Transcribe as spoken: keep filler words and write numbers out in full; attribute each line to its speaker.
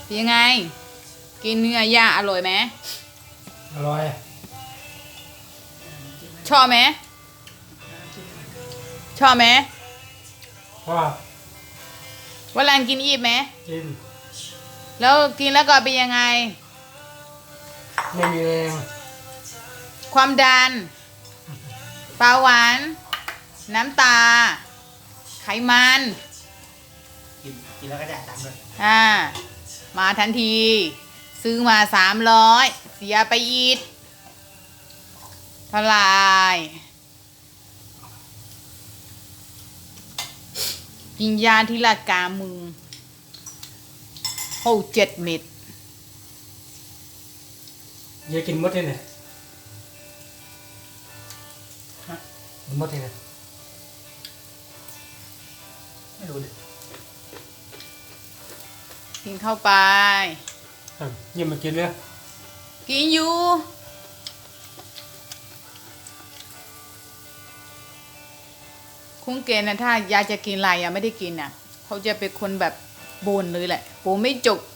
Speaker 1: ยังไงกินเนื้อย่างอร่อยไหม
Speaker 2: อร่อย
Speaker 1: ชอบไหมชอบไหม
Speaker 2: เพราะว่า
Speaker 1: วันหลังกินอีกไหม
Speaker 2: กิน
Speaker 1: แล้วกินแล้วก็เป็นยังไง
Speaker 2: ไม่มีแรง
Speaker 1: ความดันเบาหวานน้ำตาไขมัน
Speaker 2: กินกินแล้วก็จ่ายตังค์เลย
Speaker 1: อ่ามาทันที ซื้อมาสามร้อยเสียไปอีกเท่าไหร่กินยาที่ละกามึงโอ้เจ็ดเม็ด
Speaker 2: เยอะกินหมดเลยเนี่ยกินหมดเลยเนี่ยไม่รู้เลย
Speaker 1: กินเข้าไป
Speaker 2: อ่ะยิ่งมากินเลย
Speaker 1: กินอยู่คุ้งเกณฑ์นะถ้ายายจะกินอะไรยังไม่ได้กินอ่ะเขาจะเป็นคนแบบโบนเลยแหละโบไม่จก